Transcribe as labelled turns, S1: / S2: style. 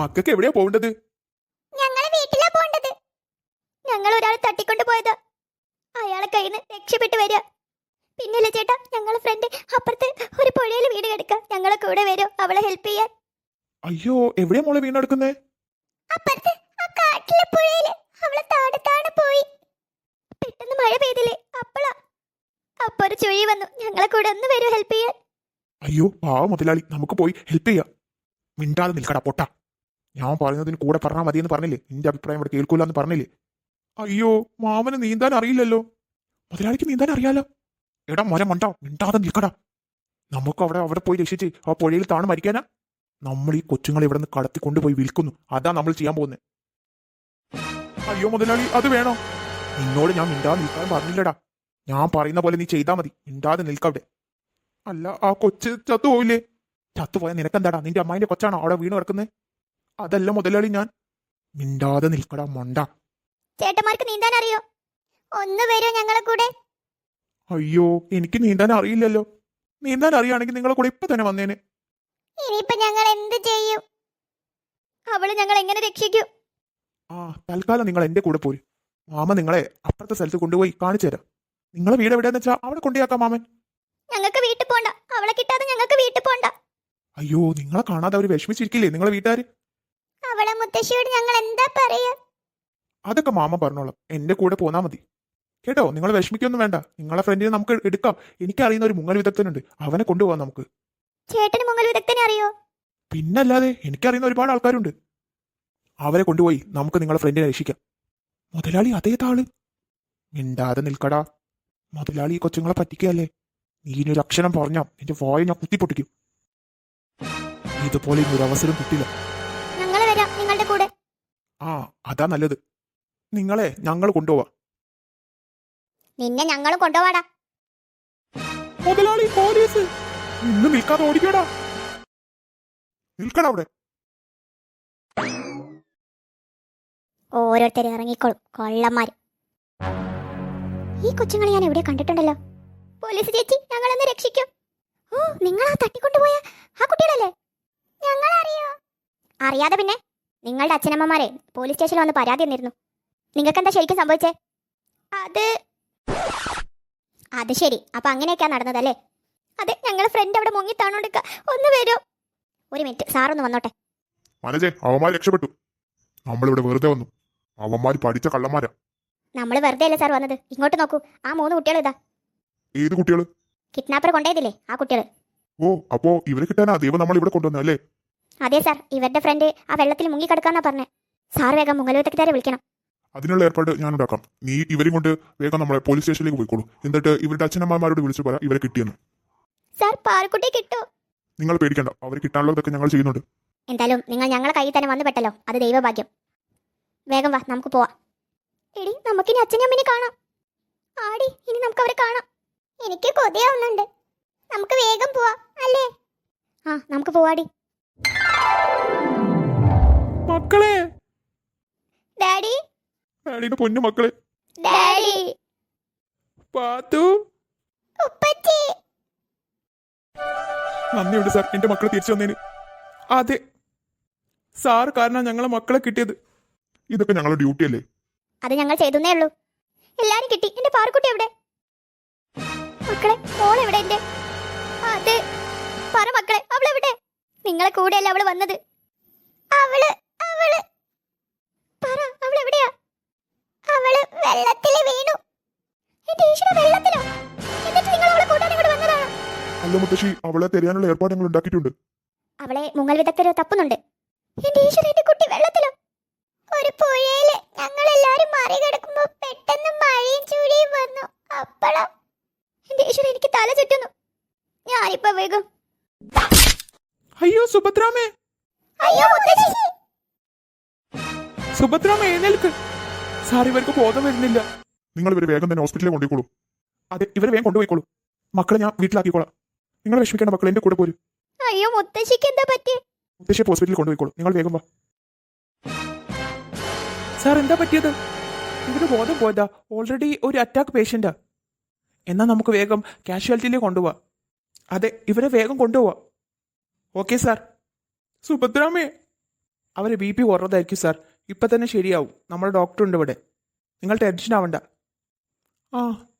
S1: മക്കൾക്ക് എവിടെയാ പോകേണ്ടത്?
S2: ഞങ്ങളെ വീട്ടിലാ പോണ്ടത്. ഞങ്ങൾ ഒരാളെ തട്ടിക്കൊണ്ട് പോയതാ. അയാളെ കയ്യിൽ നിന്ന് രക്ഷപ്പെട്ടു വരിക. പിന്നില്ല ചേട്ടാ, ഞങ്ങളെ ഫ്രണ്ട് അപ്പുറത്ത് ഒരു പുഴയിൽ വീട് കിടക്കുക. ഞങ്ങളെ കൂടെ വരും അവളെ ഹെൽപ്പ് ചെയ്യാൻ.
S1: അയ്യോ, എവിടെയാ മോളെ വീണെടുക്കുന്നേ?
S2: അപ്പുറത്ത് ആ കാട്ടിലെ പുഴയില് അവളെ താഴെ പോയി. പെട്ടെന്ന് മഴ പെയ്തില്ലേ, അപ്പൊ ഒരു ചുഴി വന്നു. ഞങ്ങളെ കൂടെ ഒന്ന് വരും ഹെൽപ്പ് ചെയ്യാൻ.
S1: അയ്യോ പാവ മുതലാളി, നമുക്ക് പോയി ഹെൽപ്പ് ചെയ്യാം. മിണ്ടാതെ നിൽക്കടാ പൊട്ടാ. ഞാൻ പറയുന്നതിന് കൂടെ പറഞ്ഞാൽ മതിയെന്ന് പറഞ്ഞില്ലേ? നിന്റെ അഭിപ്രായം ഇവിടെ കേൾക്കൂലെന്ന് പറഞ്ഞില്ലേ? അയ്യോ, മാമന് നീന്താൻ അറിയില്ലല്ലോ. മുതലാളിക്ക് നീന്താൻ അറിയാലോ. എടാ മരം മണ്ടോ, മിണ്ടാതെ നിൽക്കടാ. നമുക്ക് അവിടെ പോയി രക്ഷിച്ച് ആ പുഴയിൽ താണ് മരിക്കാനാ? നമ്മൾ ഈ കൊച്ചുങ്ങളെ ഇവിടെ നിന്ന് കടത്തി കൊണ്ടുപോയി വിൽക്കുന്നു. അതാ നമ്മൾ ചെയ്യാൻ പോകുന്നത്. അയ്യോ മുതലാളി, അത് വേണോ? നിന്നോട് ഞാൻ മിണ്ടാതെ നിൽക്കാൻ പറഞ്ഞില്ലടാ. ഞാൻ പറയുന്ന പോലെ നീ ചെയ്താൽ മതി. മിണ്ടാതെ നിൽക്കവിടെ. അല്ല, ആ കൊച്ച് ചത്തുപോയില്ലേ? ചത്തുപോയാൽ നിനക്കെന്താടാ? നിന്റെ അമ്മായിന്റെ കൊച്ചാണോ അവിടെ വീണ് കിടക്കുന്നത്? അതല്ല മുതലാളി, ഞാൻ മിണ്ടാതെ നിൽക്കടാ മണ്ട.
S2: ചേട്ടന്മാർക്ക് നീന്താൻ അറിയോ? ഒന്ന് വരൂ ഞങ്ങളെ കൂടെ.
S1: അയ്യോ, എനിക്ക് നീന്താൻ അറിയില്ലല്ലോ. നീന്താൻ അറിയാണെങ്കിൽ നിങ്ങളെ കൂടെ ഇപ്പൊ തന്നെ വന്നേനെ.
S2: ഇനിയിപ്പൊ ഞങ്ങൾ എന്ത് ചെയ്യും? അവള് ഞങ്ങൾ എങ്ങനെ രക്ഷിക്കും?
S1: ആ, തൽക്കാലം നിങ്ങൾ എന്റെ കൂടെ പോര്. മാമ നിങ്ങളെ അപ്പുറത്തെ സ്ഥലത്ത് കൊണ്ടുപോയി കാണിച്ചു തരാം. നിങ്ങളെ വീട് എവിടെയാന്ന് വെച്ചാൽ അവിടെ കൊണ്ടുപോയാക്കാം മാമൻ.
S2: ഞങ്ങൾക്ക് വീട്ടിൽ പോണ്ട. അവളെ കിട്ടാതെ ഞങ്ങൾക്ക് വീട്ടിൽ പോണ്ട.
S1: അയ്യോ, നിങ്ങളെ കാണാതെ അവര് വിഷമിച്ചിരിക്കില്ലേ നിങ്ങളെ വീട്ടുകാര്?
S2: അവളെ മുത്തശ്ശിയോട് ഞങ്ങൾ എന്താ പറയാ?
S1: അതൊക്കെ മാമ പറഞ്ഞോളാം. എന്റെ കൂടെ പോന്നാ മതി കേട്ടോ. നിങ്ങൾ വിഷമിക്കൊന്നും വേണ്ട. നിങ്ങളെ ഫ്രണ്ടിനെ നമുക്ക് എടുക്കാം. എനിക്കറിയുന്ന ഒരു മുങ്ങൽ വിദഗ്ധനുണ്ട്, അവനെ കൊണ്ടുപോകാം നമുക്ക്.
S2: ചേട്ടന് മുങ്ങൽ വിദഗ്ധനെ അറിയോ?
S1: പിന്നല്ലാതെ, എനിക്കറിയുന്ന ഒരുപാട് ആൾക്കാരുണ്ട്. അവരെ കൊണ്ടുപോയി നമുക്ക് നിങ്ങളെ ഫ്രണ്ടിനെ രക്ഷിക്കാം. മുതലാളി അതേ താള്. മിണ്ടാതെ നിൽക്കടാ. മുതലാളി ഈ കൊച്ചുങ്ങളെ പറ്റിക്കല്ലേ. നീ ഇനി ഒരു അക്ഷരം പറഞ്ഞാ നിന്റെ വായ ഞാൻ കുത്തിപ്പൊട്ടിക്കും. ഇതുപോലെ ഇനി ഒരു അവസരം കിട്ടില്ല.
S2: ഞങ്ങൾ വരാം നിങ്ങളുടെ കൂടെ.
S1: ആ, അതാ നല്ലത്. നിങ്ങളെ ഞങ്ങൾ കൊണ്ടുപോവാ.
S2: നിന്നെ ഞങ്ങളും കൊണ്ടുപോവാടാ.
S1: മുതലാളി, പോലീസ്! നിന്ന് നിൽക്കാതെ ഓടിക്കടാ. നിൽക്കടാ അവിടെ.
S2: ഓരോരുത്തർ ഇറങ്ങിക്കോളും, കൊള്ളന്മാര്. ഈ കൊച്ചുങ്ങളെ ഞാൻ എവിടെ കണ്ടിട്ടുണ്ടല്ലോ. പോലീസ് ചേച്ചി, ഞങ്ങളൊന്ന് രക്ഷിക്കും. ഓ, നിങ്ങൾ ആ തട്ടിക്കൊണ്ടുപോയ ആ കുട്ടികളല്ലേ? ഞങ്ങൾ അറിയോ? അറിയാതെ പിന്നെ? നിങ്ങളുടെ അച്ഛനമ്മമാരെ പോലീസ് സ്റ്റേഷനിൽ വന്ന് പരാതി തന്നിരുന്നു. നിങ്ങൾക്ക് എന്താ ശരിക്കും സംഭവിച്ചേ? അത് ശരി, അപ്പൊ അങ്ങനെയൊക്കെയാ നടന്നതല്ലേ? അതെ, ഞങ്ങളെ ഫ്രണ്ട് അവിടെ മുങ്ങി താണോണ്ടിക്ക. ഒന്ന് വരൂ. ഒരു മിനിറ്റ്, സാറൊന്ന് വന്നോട്ടെ.
S1: മനജെ, അവന്മാർ രക്ഷപ്പെട്ടു. നമ്മളിവിടെ വെറുതെ വന്നു. അവന്മാർ പഠിച്ച കള്ളന്മാരാ.
S2: നമ്മൾ വെറുതെ അല്ലേ സാർ വന്നത്? ഇങ്ങോട്ട് നോക്കൂ, ആ 3 കുട്ടികൾ ഇതാ.
S1: ഏത് കുട്ടികള്?
S2: കിഡ്നാപ്പർ കൊണ്ടുപോയതില്ലേ ആ കുട്ടികൾ.
S1: ഓ, അപ്പോ ഇവരെ കിട്ടാനാ ദൈവം നമ്മൾ ഇവിടെ കൊണ്ടുവന്ന അല്ലേ?
S2: അതെ സാർ, ഇവരുടെ ഫ്രണ്ട് ആ വെള്ളത്തിൽ മുങ്ങിക്കിടക്കാന്നാ പറഞ്ഞേ. സാർ വേഗം മുങ്ങൽ വിദഗ്ധരെ വിളിക്കണം.
S1: അതിനുള്ള ഏർപ്പാട് ഞാൻ ഉണ്ടാക്കാം. നീ ഇവരും കൊണ്ട് വേഗം നമ്മളെ പോലീസ് സ്റ്റേഷനിലേക്ക് പോയിക്കോളൂ. എന്നിട്ട് ഇവരുടെ അച്ഛനമ്മമാരോട് വിളിച്ചു പറയാം ഇവരെ കിട്ടിയെന്ന്.
S2: സാർ, പാറക്കുട്ടിയെ കിട്ടോ?
S1: നിങ്ങൾ പേടിക്കണ്ട, അവർ കിട്ടാനുള്ളതൊക്കെ ഞങ്ങൾ ചെയ്യുന്നുണ്ട്.
S2: എന്തായാലും നിങ്ങൾ ഞങ്ങളെ കയ്യിൽ തന്നെ വന്നു പെട്ടല്ലോ, അത് ദൈവഭാഗ്യം. വേഗം വാ, നമുക്ക് പോവാം. എടി, നമുക്കിനി അച്ഛനും അമ്മനെ കാണാം. ആടി, ഇനി നമുക്ക് അവരെ കാണാം. എനിക്ക് കൊതിയാവുന്നുണ്ട്. നമുക്ക് വേഗം പോവാം അല്ലേ? ആ, നമുക്ക് പോവാടി.
S1: മക്കളെ,
S2: ഡാഡി,
S1: ഡാഡിയുടെ പൊന്നു മക്കളെ.
S2: ഡാഡി,
S1: പാത്തു,
S2: ഉപ്പച്ചി.
S1: നന്ദിയുണ്ട് സാർ, എന്റെ മക്കളെ തിരിച്ചു വന്നേന്. അതെ, സാർ കാരണം ഞങ്ങളെ മക്കളെ കിട്ടിയത്. ഇതൊക്കെ ഞങ്ങളുടെ ഡ്യൂട്ടി അല്ലേ?
S2: അത് ഞങ്ങൾ ചെയ്തേ ഉള്ളൂ. എല്ലാരും കിട്ടി. എന്റെ പാറക്കുട്ടി എവിടെ? മക്കളെ, മോളെവിടെ എന്റെ? അത് പറ മക്കളെ, അവളെവിടെ? നിങ്ങളെ കൂടെയല്ലേ അവള് വന്നത്? അവള് പറ, അവളെവിടെയാ? അവള് വെള്ളത്തിൽ വീണു. എന്റെ ഈശ്വര, വെള്ളത്തിലോ? എന്നിട്ട് നിങ്ങൾ അവളെ കൂട്ടാൻ ഇവിടെ വന്നതാണോ?
S1: അല്ല മുത്തശ്ശി, അവളെ തെരയാനുള്ള ഏർപ്പാട് ഞങ്ങൾ ഉണ്ടാക്കിയിട്ടുണ്ട്.
S2: അവളെ മുങ്ങൽ വിദഗ്ധര് തപ്പുന്നുണ്ട്. എന്റെ ഈശ്വര, എന്റെ കുട്ടി വെള്ളത്തിലോ? ഒരു പുഴയില് ഞങ്ങൾ എല്ലാരും മറികടക്കുമ്പോ പെട്ടെന്ന് മഴയും ചൂടിയും വന്നു. അപ്പളാ എന്റെ ഈശ്വര, എനിക്ക് തല ചുറ്റുന്നു. ഞാനിപ്പോ വേഗം.
S1: അയ്യോ സുഭദ്രാമേ,
S2: അയ്യോ മുത്തശ്ശി.
S1: സുഭദ്രാമേ എഴുന്നേൽക്ക്. സാർ, ഇവർക്ക് ബോധം വരുന്നില്ല. നിങ്ങൾ ഇവരെ വേഗം തന്നെ ഹോസ്പിറ്റലിൽ കൊണ്ടുപോയിക്കോളൂ. അതെ, ഇവരെ വേഗം കൊണ്ടുപോയിക്കോളൂ. മക്കളെ ഞാൻ വീട്ടിലാക്കിക്കോളാം. നിങ്ങൾ വിഷമിക്കേണ്ട മക്കളെ, എന്റെ കൂടെ പോരും.
S2: അയ്യോ മുത്തശ്ശിക്ക് എന്താ പറ്റി?
S1: മുത്തശ്ശിയെ ഹോസ്പിറ്റലിൽ കൊണ്ടുപോയിക്കോളൂ. നിങ്ങൾ വേഗം വാ. സാർ, എന്താ പറ്റിയത്? ഇവര് ബോധം പോയതാ. ഓൾറെഡി ഒരു അറ്റാക്ക് പേഷ്യന്റാ. എന്നാ നമുക്ക് വേഗം കാഷ്വാലിറ്റിയിലേക്ക് കൊണ്ടുപോവാ. അതെ, ഇവരെ വേഗം കൊണ്ടുപോവാ. Okay sir. സുഭദ്രാമേ,
S3: അവരെ ബി പി കുറഞ്ഞതായിരിക്കും സാർ. ഇപ്പം തന്നെ ശരിയാവും. നമ്മുടെ ഡോക്ടറുണ്ട് ഇവിടെ. നിങ്ങൾ ടെൻഷൻ ആവണ്ട. ആ